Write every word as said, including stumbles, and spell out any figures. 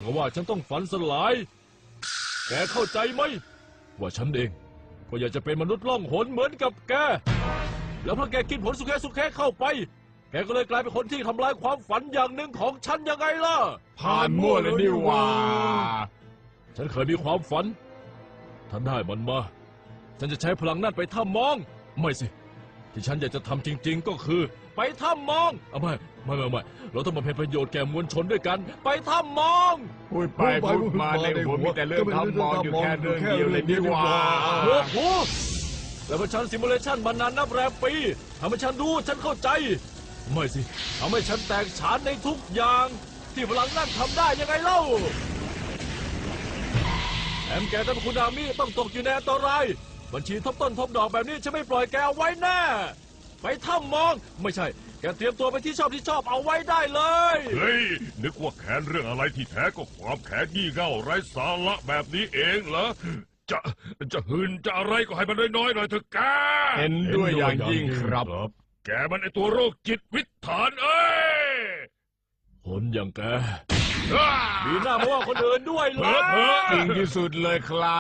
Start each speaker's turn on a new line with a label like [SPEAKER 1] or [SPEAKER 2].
[SPEAKER 1] เพราะว่าฉันต้องฝันสลายแกเข้าใจไหมว่าฉันเองก็อยากจะเป็นมนุษย์ล่องหนเหมือนกับแกแล้วพอแกกินผลสุแคสุแคเข้าไปแกก็เลยกลายเป็นคนที่ทำลายความฝันอย่างหนึ่งของฉันยังไงล่ะ
[SPEAKER 2] ผ่านมั่วเลยนี่หว่า
[SPEAKER 1] ฉันเคยมีความฝันถ้าได้มันมาฉันจะใช้พลังนั่นไปถ้ำมองไม่สิที่ฉันอยากจะทำจริงๆก็คือ ไปถ้ำมองเอาไม่ไม่ไม่ไม่เราต้องมาเป็นประโยชน์แก่มวลชนด้วยกันไปถ้ำมอง
[SPEAKER 2] พูดไปพูดมาในหัวมีแต่เรื่องทำมองอยู่แค่เรื่องเดียวเลยนี่หว่า
[SPEAKER 1] โอ้โหแล้วพอฉันซิมูเลชันมานานนับแรมปีทำให้ฉันรู้ฉันเข้าใจไม่สิทำให้ฉันแตกฉานในทุกอย่างที่พลังนั่นทำได้ยังไงเล่าแอมแกกับคุณอามิต้องตกอยู่ในอันตรายบัญชีทบต้นทบดอกแบบนี้ฉันไม่ปล่อยแกเอาไว้แน่ไปถ้ำมองไม่ใช่แกเตรียมตัวไปที่ชอบที่ชอบเอาไว้ได้เลย
[SPEAKER 3] เฮ้ยนึกว่าแค้นเรื่องอะไรที่แท้ก็ความแค้นยี่เง่าไร้สาระแบบนี้เองเหรอจะจะหืนจะอะไรก็ให้มันน้อยๆหน่อยเถอะแก
[SPEAKER 2] เห็นด้วยอย่างยิ่งครับ
[SPEAKER 3] แกมันไอตัวโรคจิตวิถานเอ้ย
[SPEAKER 1] คนอย่างแกมีหน้ามาว่าคนอื่นด้วยเหรอ
[SPEAKER 2] จริงที่สุดเลยครับ